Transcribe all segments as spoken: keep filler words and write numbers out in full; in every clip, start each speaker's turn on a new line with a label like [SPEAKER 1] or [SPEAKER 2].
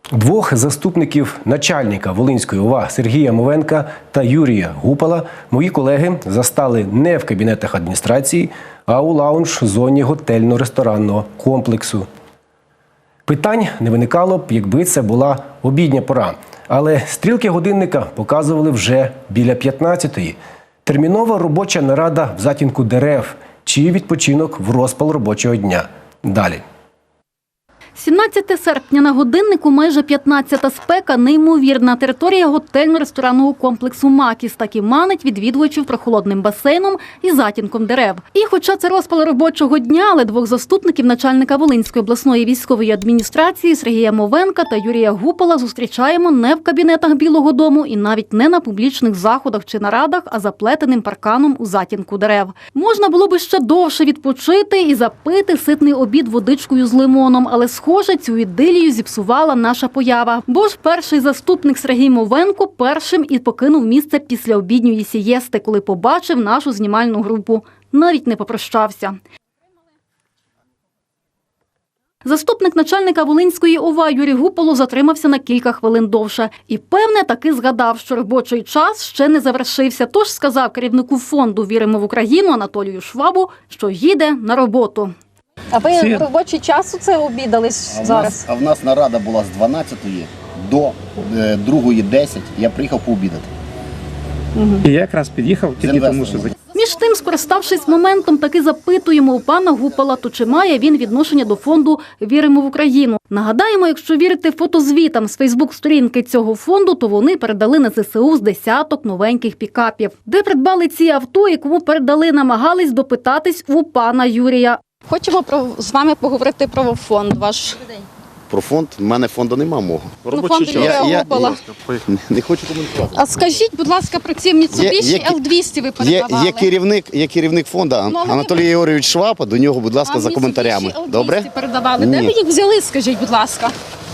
[SPEAKER 1] Двох заступників начальника Волинської ОВА Сергія Мовенка та Юрія Гупала мої колеги застали не в кабінетах адміністрації, а у лаунж-зоні готельно-ресторанного комплексу. Питань не виникало б, якби це була обідня пора. Але стрілки годинника показували вже біля п'ятнадцятої. Термінова робоча нарада в затінку дерев чи відпочинок в розпал робочого дня. Далі.
[SPEAKER 2] сімнадцяте серпня на годиннику майже п'ятнадцята, спека неймовірна. Територія готельно-ресторанного комплексу «Макіс» так і манить відвідувачів прохолодним басейном і затінком дерев. І хоча це розпал робочого дня, але двох заступників начальника Волинської обласної військової адміністрації Сергія Мовенка та Юрія Гупала зустрічаємо не в кабінетах Білого дому і навіть не на публічних заходах чи нарадах, а заплетеним парканом у затінку дерев. Можна було би ще довше відпочити і запити ситний обід водичкою з лимоном, але схоже, цю ідилію зіпсувала наша поява. Бо ж перший заступник Сергій Мовенко першим і покинув місце після обідньої сієсти, коли побачив нашу знімальну групу. Навіть не попрощався. Заступник начальника Волинської ОВА Юрій Гупало затримався на кілька хвилин довше. І, певне, таки згадав, що робочий час ще не завершився. Тож сказав керівнику фонду «Віримо в Україну» Анатолію Швабу, що їде на роботу.
[SPEAKER 3] А ви в робочий час це обідались
[SPEAKER 4] а
[SPEAKER 3] зараз?
[SPEAKER 4] Нас, а в нас нарада була з дванадцятої до другої десять. Я приїхав пообідати.
[SPEAKER 5] Угу. І я якраз під'їхав тільки тому, що...
[SPEAKER 2] Між тим, скориставшись моментом, таки запитуємо у пана Гупала, то чи має він відношення до фонду «Віримо в Україну». Нагадаємо, якщо вірити фотозвітам з фейсбук-сторінки цього фонду, то вони передали на ЗСУ з десяток новеньких пікапів. Де придбали ці авто і кому передали, намагались допитатись у пана Юрія.
[SPEAKER 3] Хочемо про, з вами поговорити про фонд ваш.
[SPEAKER 4] Про фонд? У мене фонду нема мого.
[SPEAKER 3] Про фонд Юрія Гупала.
[SPEAKER 4] Я не хочу коментувати.
[SPEAKER 3] А скажіть, будь ласка, про ці Mitsubishi Л двісті ви передавали.
[SPEAKER 4] Є, є, керівник, є керівник фонду Анатолій Єгорович Шваб, до нього, будь ласка,
[SPEAKER 3] а
[SPEAKER 4] за коментарями. Добре?
[SPEAKER 3] Передавали. Де ви їх взяли, скажіть, будь ласка?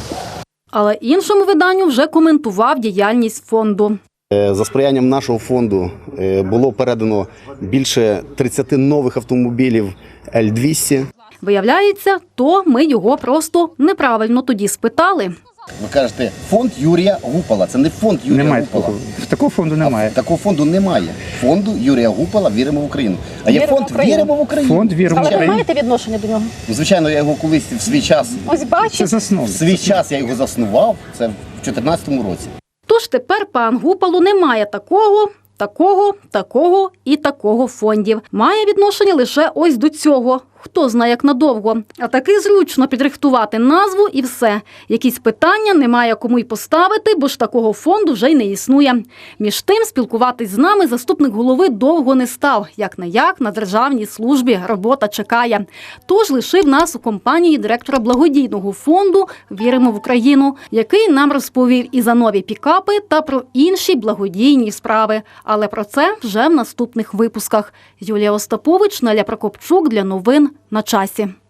[SPEAKER 2] Але іншому виданню вже коментував діяльність фонду.
[SPEAKER 4] За сприянням нашого фонду було передано більше тридцяти нових автомобілів Л двісті.
[SPEAKER 2] Виявляється, то ми його просто неправильно тоді спитали.
[SPEAKER 4] Ви кажете, фонд Юрія Гупала. Це не фонд Юрія
[SPEAKER 5] немає
[SPEAKER 4] Гупала.
[SPEAKER 5] Такого. Такого фонду немає.
[SPEAKER 4] А такого фонду немає. Фонду Юрія Гупала «Віримо в Україну». А є
[SPEAKER 3] Віримо
[SPEAKER 4] фонд
[SPEAKER 3] в Україну.
[SPEAKER 4] «Віримо в Україну».
[SPEAKER 5] Фонд «Віримо в
[SPEAKER 3] Але ви
[SPEAKER 5] Україну».
[SPEAKER 3] маєте відношення до нього?
[SPEAKER 4] Ну, звичайно, я його колись в свій час,
[SPEAKER 3] Ось
[SPEAKER 5] Це
[SPEAKER 3] бачите.
[SPEAKER 5] засновник.
[SPEAKER 4] в свій час я його заснував, це в чотирнадцятому році.
[SPEAKER 2] Тож тепер пан Гупало не має такого, такого, такого і такого фондів. Має відношення лише ось до цього. Хто знає, як надовго. А таки зручно підрихтувати назву і все. Якісь питання немає кому й поставити, бо ж такого фонду вже й не існує. Між тим, спілкуватись з нами заступник голови довго не став. Як-не-як, на державній службі робота чекає. Тож лишив нас у компанії директора благодійного фонду «Віримо в Україну», який нам розповів і за нові пікапи, та про інші благодійні справи. Але про це вже в наступних випусках. Юлія Остапович, Наля Прокопчук для новин на часі.